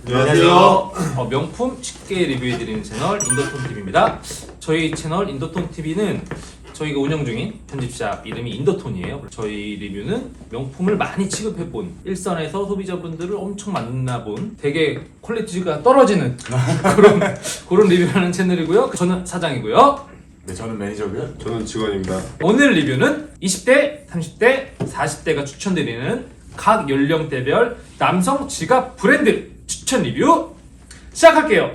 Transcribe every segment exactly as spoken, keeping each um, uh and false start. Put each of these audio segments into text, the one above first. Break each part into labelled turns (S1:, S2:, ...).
S1: 안녕하세요.
S2: 어, 명품 쉽게 리뷰해드리는 채널 인더톤티비입니다. 저희 채널 인더톤티비는 저희가 운영 중인 편집샵 이름이 인더톤이에요. 저희 리뷰는 명품을 많이 취급해본, 일선에서 소비자분들을 엄청 만나본 되게 퀄리티가 떨어지는 그런, 그런 리뷰하는 채널이고요. 저는 사장이고요.
S1: 네, 저는 매니저고요.
S3: 저는 직원입니다.
S2: 오늘 리뷰는 이십 대, 삼십 대, 사십 대가 추천드리는 각 연령대별 남성 지갑 브랜드 추천 리뷰 시작할게요.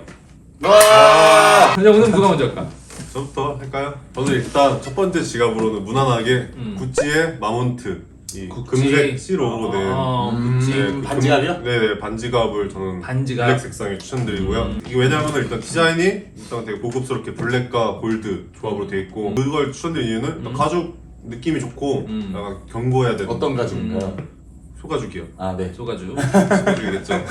S1: 와!
S2: 근데 오늘 누가 먼저 할까?
S3: 저부터 할까요? 저는 일단 첫 번째 지갑으로는 무난하게
S2: 음.
S3: 구찌의 마몬트 이
S2: 구찌.
S3: 금색 C로고로 된
S2: 아,
S1: 음,
S2: 구찌.
S3: 네, 그
S1: 반지갑이요?
S3: 금- 네네 반지갑을 저는
S2: 반지갑.
S3: 블랙 색상에 추천드리고요.
S2: 음.
S3: 이게 왜냐하면 일단 디자인이 일단 되게 고급스럽게 블랙과 골드 조합으로 돼 있고 그걸 추천드린 이유는 일단
S2: 음.
S3: 가죽 느낌이 좋고
S2: 음.
S3: 약간 견고해야 되는
S1: 어떤 가죽인가요?
S3: 소가죽이요.
S1: 아, 네.
S2: 소가죽.
S3: 소가죽이겠죠.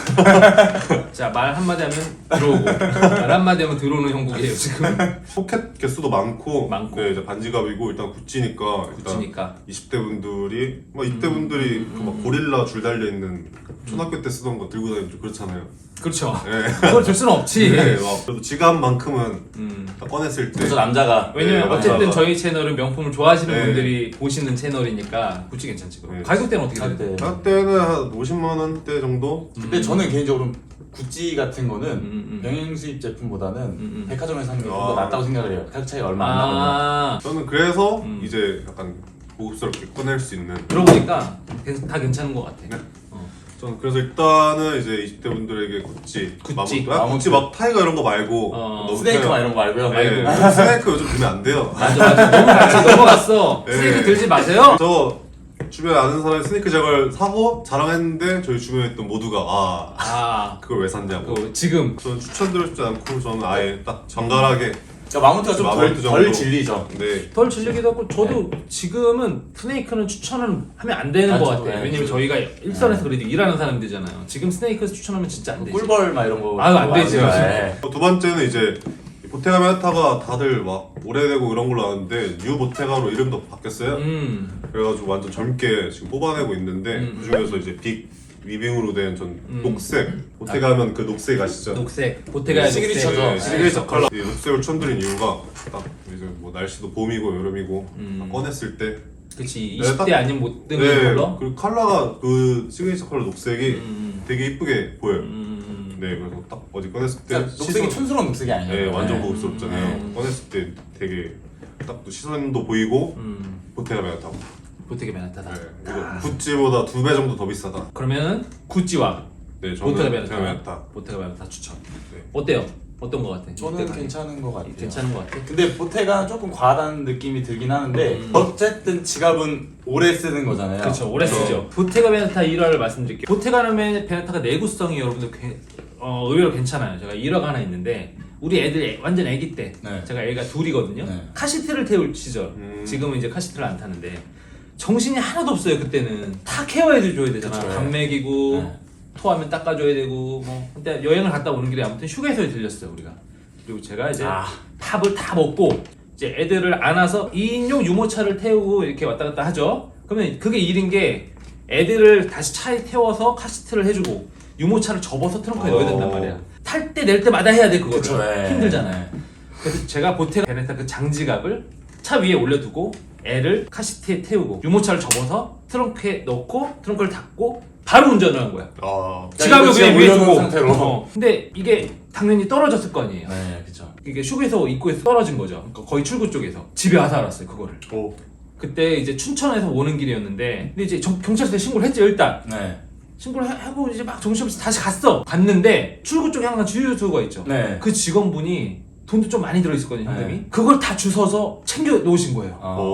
S2: 자, 말 한마디 하면 들어오고 말 한마디 하면 들어오는 형국이에요 지금.
S3: 포켓 개수도 많고,
S2: 많고.
S3: 네, 이제 반지갑이고 일단 구찌니까 일단
S2: 구찌니까.
S3: 이십 대 분들이 막 이십 대 분들이
S2: 음,
S3: 그 막 고릴라 줄 달려 있는 초등학교 때 쓰던 거 들고 다니면 좀 그렇잖아요.
S2: 그렇죠.
S3: 네.
S2: 그걸 줄 수는 없지.
S3: 네, 막 그래도 지갑만큼은
S2: 음.
S3: 딱 꺼냈을 때
S1: 그래서 남자가
S2: 왜냐면
S3: 네,
S2: 어쨌든
S3: 맞아.
S2: 저희 채널은 명품을 좋아하시는
S3: 네.
S2: 분들이 보시는 채널이니까 구찌 괜찮지. 그럼.
S3: 네.
S2: 가격대는 어떻게
S1: 할
S2: 돼요?
S1: 때.
S3: 가격대는 한 오십만 원대 정도.
S1: 근데 저는 개인적으로 구찌 같은 거는
S2: 음, 음.
S1: 병행 수입 제품보다는
S2: 음.
S1: 백화점에서 사는 게 좀 더
S3: 아.
S1: 낫다고 생각을 해요. 가격 차이가 얼마 안 나거든요.
S2: 아,
S3: 저는 그래서
S2: 음.
S3: 이제 약간 고급스럽게 꺼낼 수 있는.
S2: 들어보니까 괜- 다 괜찮은 것 같아.
S3: 네.
S2: 어.
S3: 저는 그래서 일단은 이제 이십 대 분들에게 구찌,
S2: 구찌.
S3: 마몬트, 아,
S1: 마몬트.
S3: 구찌 막 타이거 이런 거 말고
S2: 어.
S3: 너무
S1: 스네이크
S3: 그냥-
S1: 막 이런 거 말고요.
S3: 네, 요즘 스네이크 요즘 구매 안 돼요.
S2: 맞아 맞아. 너무 같이 넘어갔어.
S3: 네.
S2: 스네이크 들지 마세요.
S3: 저 주변에 아는 사람이 스니커 저걸 사고 자랑했는데 저희 주변에 있던 모두가 아
S2: 아,
S3: 그걸 왜 샀냐고.
S2: 그 지금
S3: 저는 추천드리고 싶지 않고 저는 아예 딱 정갈하게
S1: 그러니까 마운트가 좀 덜
S3: 마운트
S1: 덜
S3: 정도.
S1: 질리죠.
S3: 네.
S2: 덜 질리기도 하고 저도 지금은 스네이크는 추천을 하면 안 되는
S1: 아,
S2: 것
S1: 저도,
S2: 같아요.
S1: 네,
S2: 왜냐면
S1: 저도.
S2: 저희가 일선에서 그래도 일하는 사람들이잖아요. 지금 스네이크 추천하면 진짜 안 되지.
S1: 꿀벌 막 이런 거.
S2: 아유, 안 되지,
S1: 네.
S2: 요즘.
S3: 두 번째는 이제 보테가 메타가 다들 막 오래되고 이런 걸로 아는데 뉴 보테가로 이름도 바뀌었어요.
S2: 음,
S3: 그래가지고 완전 젊게 지금 뽑아내고 있는데
S2: 음.
S3: 그 중에서 이제 빅 위빙으로 된 전
S2: 음.
S3: 녹색 보테가 하면 그 녹색 아시죠?
S2: 녹색 보테가의
S1: 네, 시그니처죠.
S2: 녹색.
S3: 네, 시그니처 컬러. 이 녹색을 추천드린 이유가 딱 이제 뭐 날씨도 봄이고 여름이고
S2: 음.
S3: 딱 꺼냈을 때
S2: 그치.
S3: 네,
S2: 이십 대
S3: 딱-
S2: 아니면 못 뜨는
S3: 네,
S2: 컬러.
S3: 그리고 컬러가 그 시그니처 컬러 녹색이
S2: 음,
S3: 되게 이쁘게 보여요.
S2: 음,
S3: 네, 그래서 딱 어디 꺼냈을 때
S1: 그러니까 녹색이
S3: 시선-
S1: 촌스러운 녹색이 아니에요.
S3: 네, 완전
S1: 네.
S3: 고급스럽잖아요.
S2: 음.
S3: 꺼냈을 때 되게 딱 또 시선도 보이고
S2: 음,
S3: 보테가 메타고.
S2: 보테가 베나타다.
S3: 네, 그리고 구찌보다 두 배 정도 더 비싸다.
S2: 그러면은 구찌와
S3: 네, 저는
S2: 보테가
S3: 보테가
S2: 베나타.
S3: 메타.
S2: 보테가 베나타 추천.
S3: 네.
S2: 어때요? 어떤 거 같아?
S1: 저는
S2: 이때가?
S1: 괜찮은 것 같아요.
S2: 괜찮은 거 같아.
S1: 근데 보테가 조금 과하다는 느낌이 들긴 하는데
S2: 음.
S1: 어쨌든 지갑은 오래 쓰는 거잖아요.
S2: 그렇죠. 오래 쓰죠. 보테가 베네타 일화를 말씀드릴게요. 보테가 베네타가 내구성이 여러분들 게- 어, 의외로 괜찮아요. 제가 일화가 하나 있는데 우리 애들 애- 완전 애기 때
S1: 네.
S2: 제가 애가 둘이거든요.
S1: 네.
S2: 카시트를 태울 시절.
S3: 음.
S2: 지금은 이제 카시트를 안 타는데 정신이 하나도 없어요. 그때는 다 케어해줘야 되잖아.
S1: 그쵸,
S2: 밥
S1: 네.
S2: 먹이고
S1: 네.
S2: 토하면 닦아줘야 되고 뭐. 근데 여행을 갔다 오는 길에 아무튼 휴게소에 들렸어요 우리가. 그리고 제가 이제
S1: 아.
S2: 밥을 다 먹고 이제 애들을 안아서 이 인용 유모차를 태우고 이렇게 왔다 갔다 하죠. 그러면 그게 일인 게 애들을 다시 차에 태워서 카시트를 해주고 유모차를 접어서 트렁크에 넣어야 된단 말이야. 탈 때 낼 때마다 해야 돼 그거를.
S1: 그쵸, 네.
S2: 힘들잖아요. 그래서 제가 보테가 베네타 그 장지갑을 차 위에 올려두고 애를 카시트에 태우고 유모차를 접어서 트렁크에 넣고 트렁크를 닫고 바로 운전을 한 거야.
S3: 아,
S2: 지갑을
S1: 이거
S2: 그냥
S1: 진짜
S2: 위에
S1: 올려놓은
S2: 두고.
S1: 상태로.
S2: 어. 근데 이게 당연히 떨어졌을 거 아니에요.
S1: 네, 그렇죠.
S2: 이게 휴게소 입구에서 떨어진 거죠. 그러니까 거의 출구 쪽에서 집에 와서 알았어요 그거를.
S3: 오.
S2: 그때 이제 춘천에서 오는 길이었는데 근데 이제 정- 경찰서에 신고를 했죠 일단.
S1: 네.
S2: 신고를 하- 하고 이제 막 정신없이 다시 갔어. 갔는데 출구 쪽에 항상 주유소가 있죠.
S1: 네.
S2: 그 직원분이 돈도 좀 많이 들어있었거든요 현금이.
S1: 네.
S2: 그걸 다 주워서 챙겨 놓으신 거예요.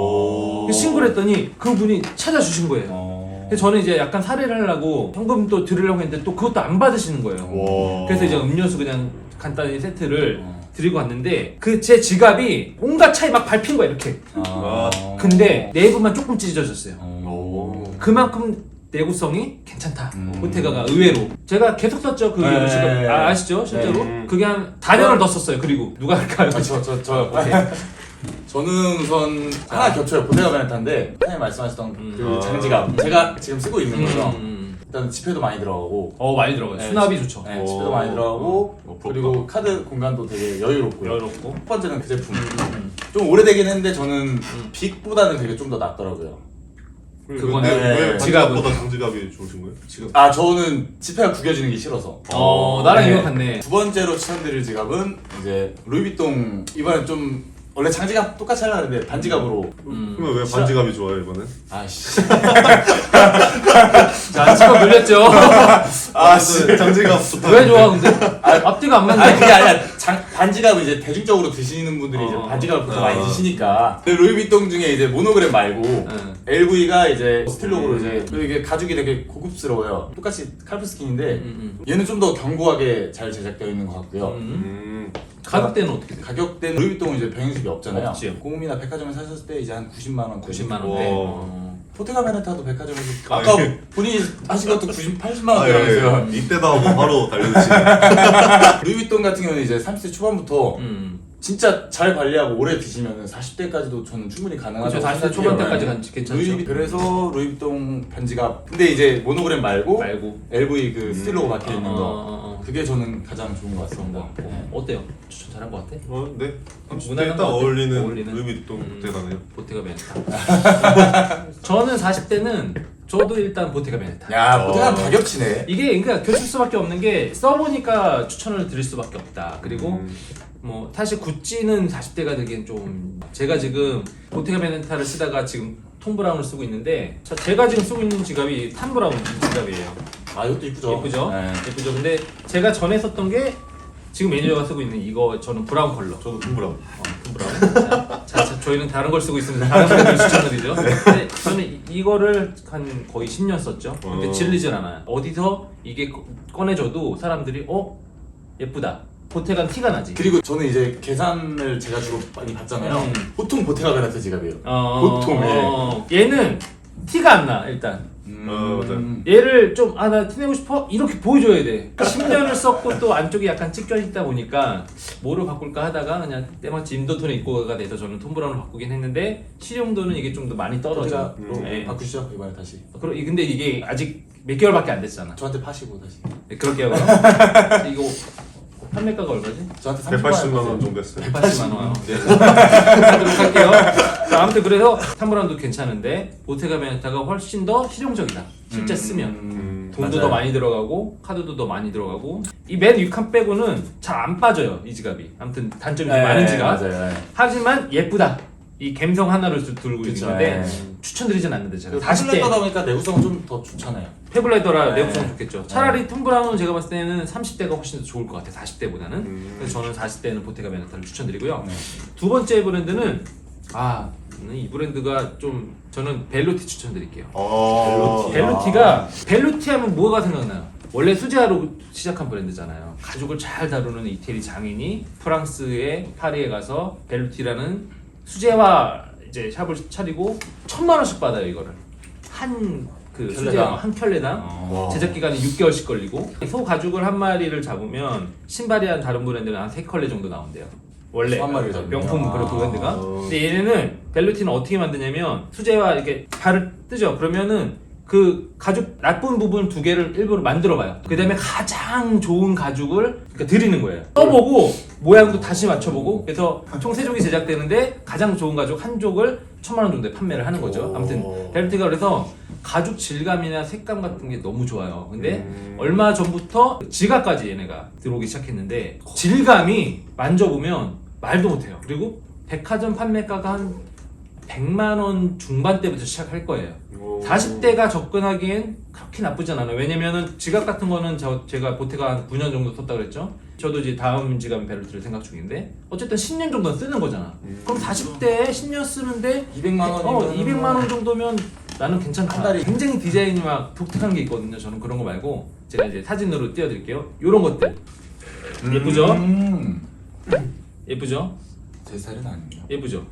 S1: 어.
S2: 그래서 신고를 했더니 그분이 찾아주신 거예요.
S1: 어.
S2: 그래서 저는 이제 약간 살해를 하려고 현금 또 드리려고 했는데 또 그것도 안 받으시는 거예요.
S3: 와.
S2: 그래서 이제 음료수 그냥 간단히 세트를
S1: 어.
S2: 드리고 왔는데 그 제 지갑이 온갖 차에 막 밟힌 거야 이렇게.
S1: 아.
S2: 근데 내부만 조금 찢어졌어요.
S1: 어.
S2: 그만큼 내구성이 괜찮다.
S1: 음.
S2: 보테가가 의외로 제가 계속 썼죠 그
S1: 네.
S2: 지갑. 아, 아시죠 실제로?
S3: 네.
S2: 그게 한 사 년을 더 썼어요. 그리고 누가 할까요?
S1: 아, 저, 저, 저. 저는 우선 하나 겹쳐요. 보테가 베네타인데 사장님 말씀하셨던
S2: 음.
S1: 그
S3: 아.
S1: 장지갑 제가 지금 쓰고 있는 거죠.
S2: 음.
S4: 일단 지폐도 많이 들어가고
S2: 어 많이 들어가요.
S4: 네,
S2: 수납이 좋죠.
S4: 네,
S3: 오.
S4: 지폐도 많이 들어가고
S3: 어, 부럽다.
S4: 그리고 카드 공간도 되게 여유롭고요.
S2: 여유롭고.
S4: 첫 번째는 그 제품
S2: 음.
S4: 좀 오래되긴 했는데 저는 빅보다는 되게 좀 더 낫더라고요.
S2: 그거는
S3: 왜, 왜
S2: 지갑은?
S3: 반지갑보다 장지갑이 좋으신 거예요?
S2: 지금
S4: 아 저는 지폐가 구겨지는 게 싫어서.
S2: 어 나랑
S4: 네.
S2: 이거 같네.
S4: 두 번째로 추천드릴 지갑은 이제 루이비통 이번엔 좀 원래 장지갑 똑같이 하려고 했는데 반지갑으로
S2: 음.
S3: 그러면 왜
S4: 싫어.
S3: 반지갑이 좋아요 이번엔?
S4: 아씨
S2: 자 지금 눌렸죠.
S4: 아씨
S3: 장지갑 좋다.
S2: 왜 좋아 근데? 앞뒤가 안
S4: 아니
S2: 맞네.
S4: 그게 아니라 장, 반지갑을 이제 대중적으로 드시는 분들이 이제
S2: 어.
S4: 반지갑을 보통
S3: 어.
S4: 많이 드시니까 근데 루이비통 중에 이제 모노그램 말고
S2: 응.
S4: 엘브이가 이제 스틸록으로
S3: 음.
S4: 이제 그리고 이게 가죽이 되게 고급스러워요. 똑같이 칼프스킨인데
S2: 음,
S4: 얘는 좀 더 견고하게 잘 제작되어 있는 것 같고요.
S2: 음.
S3: 음.
S2: 가격대는 어떻게 돼?
S4: 가격대는 루이비통은 이제 병행식이 없잖아요.
S2: 없지.
S4: 공홈이나 백화점에 사셨을 때 이제 한 구십만 원,
S2: 구십만
S3: 와.
S2: 원대. 어.
S4: 포테가 베네타도 백화점에서
S3: 아,
S4: 아까
S3: 예.
S4: 본인이 하신 것도 구십, 팔십만
S3: 아, 예,
S4: 원이라면서요.
S3: 예. 이때다 하고 바로 달려드시네.
S4: 루이비통 같은 경우는 이제 삼십 대 초반부터
S2: 음.
S4: 진짜 잘 관리하고 오래 드시면 사십 대까지도 저는 충분히 가능하다고
S2: 그렇죠. 사십 대
S4: 생각해요.
S2: 초반 때까지
S4: 네.
S2: 괜찮죠.
S4: 루이, 그래서 루이비통 반지갑 근데 이제 모노그램 말고
S2: 말고.
S4: 엘브이 그
S3: 음.
S4: 스틸로고 박혀 있는
S2: 어,
S4: 거
S2: 어, 어.
S4: 그게 저는 가장 좋은 것 같습니다.
S2: 어,
S4: 네.
S2: 어때요? 추천 잘한 것 같아?
S3: 어, 네. 삼십
S2: 무난한
S3: 대에 딱
S2: 것 같아.
S3: 어울리는,
S2: 어울리는.
S3: 루이비통
S2: 음.
S3: 보테가네요.
S2: 보테가 베네타. 저는 사십 대는 저도 일단 보테가 베네타.
S4: 야 포테가
S3: 어.
S4: 다 겹치네.
S2: 이게 그러니까 겹칠 수밖에 없는 게 써보니까 추천을 드릴 수밖에 없다. 그리고
S3: 음.
S2: 뭐 사실 구찌는 사십 대가 되기엔 좀 제가 지금 보테가 베네타를 쓰다가 지금 톰 브라운을 쓰고 있는데 자, 제가 지금 쓰고 있는 지갑이 탐 브라운 지갑이에요.
S4: 아 이것도 이쁘죠.
S2: 예쁘죠?
S4: 네.
S2: 예쁘죠? 근데 제가 전에 썼던 게 지금 매니저가 쓰고 있는 이거 저는 브라운 컬러.
S3: 저도 톰브라운.
S2: 어, 톰 브라운. 자, 자, 자, 저희는 다른 걸 쓰고 있습니다. 다른 분들 추천드리죠. 근데 저는 이, 이거를 한 거의 십 년 썼죠. 근데
S3: 어.
S2: 질리질 않아요. 어디서 이게 꺼- 꺼내줘도 사람들이 어? 예쁘다. 보테간 티가 나지.
S4: 그리고 저는 이제 계산을 제가 주로 많이 받잖아요.
S2: 음.
S4: 보통 보테가 베네타 지갑이에요.
S2: 어,
S4: 보통, 예.
S2: 어, 얘는 티가 안 나, 일단.
S4: 음.
S3: 어, 맞아요.
S2: 얘를 좀, 아, 나 티내고 싶어? 이렇게 보여줘야 돼. 십 년을 썼고 또 안쪽이 약간 찢겨 있다 보니까 뭐로 바꿀까 하다가 그냥 때마침 인도톤에 입고가 돼서 저는 톰 브라운을 바꾸긴 했는데 실용도는 이게 좀 더 많이 떨어져.
S4: 포테가로
S2: 네.
S4: 바꾸시죠 이번에 다시.
S2: 그러- 근데 이게 아직 몇 개월밖에 안 됐잖아.
S4: 저한테 파시고 다시.
S2: 네, 그럴게요, 그럼. 이거 판매가가 얼마지?
S4: 저한테
S3: 백팔십만 원
S4: 원
S3: 정도 했어요.
S2: 백팔십만 원. 네. 하도록 할게요. 자, 아무튼 그래서 탐브라운도 괜찮은데 보테가 베네타가 훨씬 더 실용적이다. 실제
S4: 음,
S2: 쓰면.
S4: 음,
S2: 돈도
S4: 맞아요.
S2: 더 많이 들어가고 카드도 더 많이 들어가고 이 맨 위칸 빼고는 잘 안 빠져요 이 지갑이. 아무튼 단점이 좀
S4: 네,
S2: 많은 지갑.
S4: 맞아요. 네.
S2: 하지만 예쁘다. 이 감성 하나를 들- 들고 있는
S4: 그쵸,
S2: 건데
S4: 네.
S2: 추천드리진 않는데 제가
S4: 그
S2: 사십 대
S4: 플랫하다 보니까 내구성은 좀 더 좋잖아요.
S2: 페블레더라
S4: 네.
S2: 내구성 좋겠죠. 차라리 톰 브라운은 제가 봤을 때는 삼십 대가 훨씬 더 좋을 것 같아요. 사십 대보다는.
S3: 음.
S2: 그래서 저는 사십 대는 보테가 베네타를 추천드리고요.
S4: 네.
S2: 두 번째 브랜드는 아, 이 브랜드가 좀 저는 벨루티 추천드릴게요.
S3: 어.
S4: 벨루티.
S2: 벨루티가 벨루티 하면 뭐가 생각나요? 원래 수제화로 시작한 브랜드잖아요. 가죽을 잘 다루는 이태리 장인이 프랑스의 파리에 가서 벨루티라는 수제화 이제 샵을 차리고 천만 원씩 받아요 이거를 한 그
S4: 켤레당.
S2: 수제화 한 켤레당
S4: 어.
S2: 제작 기간이 육 개월씩 걸리고 소 가죽을 한 마리를 잡으면 신발이 한 다른 브랜드는 한 세 켤레 정도 나온대요. 원래
S4: 한 마리를 잡으면.
S2: 명품 그런
S4: 아.
S2: 브랜드가. 근데 얘네는 벨루티는 어떻게 만드냐면 수제화 이렇게 발을 뜨죠. 그러면은 그 가죽 나쁜 부분 두 개를 일부러 만들어봐요. 그 다음에 가장 좋은 가죽을 그러니까 드리는 거예요. 써보고 모양도 다시 맞춰보고 그래서 총 세 족이 제작되는데 가장 좋은 가죽 한 족을 천만 원 정도에 판매를 하는 거죠. 아무튼 벨루티가 그래서 가죽 질감이나 색감 같은 게 너무 좋아요. 근데
S3: 음.
S2: 얼마 전부터 지갑까지 얘네가 들어오기 시작했는데 질감이 만져보면 말도 못해요. 그리고 백화점 판매가가 한 백만 원 중반대부터 시작할 거예요.
S3: 오.
S2: 사십 대가 접근하기엔 그렇게 나쁘진 않아요. 왜냐면은 지갑 같은 거는 저, 제가 보테가 한 구 년 정도 썼다 그랬죠. 저도 이제 다음 지갑 벨루티를 생각 중인데 어쨌든 십 년 정도는 쓰는 거잖아.
S3: 음.
S2: 그럼 사십 대에 십 년 쓰는데
S4: 이백만 원이면
S2: 어, 이백만 원 정도면 나는 괜찮다.
S4: 한 달에-
S2: 굉장히 디자인이 막 독특한 게 있거든요. 저는 그런 거 말고 제가 이제 사진으로 띄워드릴게요. 요런 것들 예쁘죠?
S4: 음.
S2: 예쁘죠?
S4: 제 스타일은 아닙니다.
S2: 예쁘죠?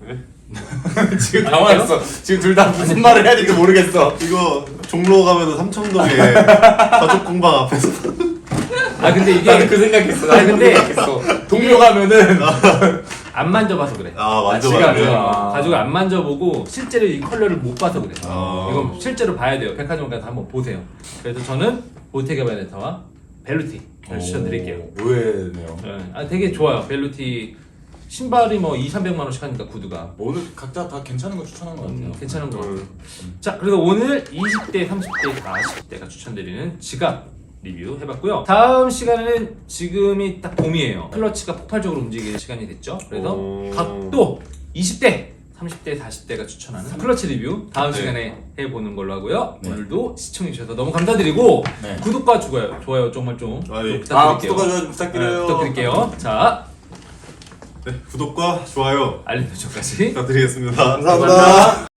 S4: 지금 당황했어. 지금 둘 다 무슨 말을 해야 될지 모르겠어.
S3: 이거 종로 가면은 삼청동에 가죽 공방 앞에서
S2: 아 근데 이게
S4: 나는 그 생각했어.
S2: 아니, 근데
S4: 생각했어. 동료 가면은
S2: 안 만져봐서 그래.
S3: 아 완전
S4: 지갑을.
S3: 완전.
S4: 아.
S2: 가죽을 안 만져보고 실제로 이 컬러를 못 봐서 그래.
S3: 아.
S2: 이건 실제로 봐야 돼요. 백화점 가서 한번 보세요. 그래서 저는 보테가 베네타와 벨루티를 추천드릴게요.
S4: 의외네요.
S2: 네. 아, 되게 좋아요. 벨루티 신발이 뭐 이삼백만 원씩 하니까 구두가
S4: 오늘 각자 다 괜찮은 거 추천한 것 같아요.
S2: 음, 괜찮은 것 같아요.
S3: 음.
S2: 자, 그래서 오늘 이십 대, 삼십 대, 사십 대가 추천드리는 지갑 리뷰 해봤고요. 다음 시간에는 지금이 딱 봄이에요. 클러치가 폭발적으로 움직이는 시간이 됐죠. 그래서
S3: 오.
S2: 각도 이십 대, 삼십 대, 사십 대가 추천하는 클러치 리뷰 다음
S3: 네.
S2: 시간에 해보는 걸로 하고요.
S4: 네.
S2: 오늘도 시청해주셔서 너무 감사드리고
S4: 네.
S2: 구독과 좋아요, 좋아요 정말 좀,
S3: 아,
S2: 좀
S3: 예.
S4: 아,
S2: 부탁드릴게요.
S4: 구독과 좋아요 부탁드려요.
S2: 네, 부탁드릴게요. 자,
S3: 네, 구독과 좋아요
S2: 알림 설정까지
S3: 부탁드리겠습니다.
S4: 감사합니다.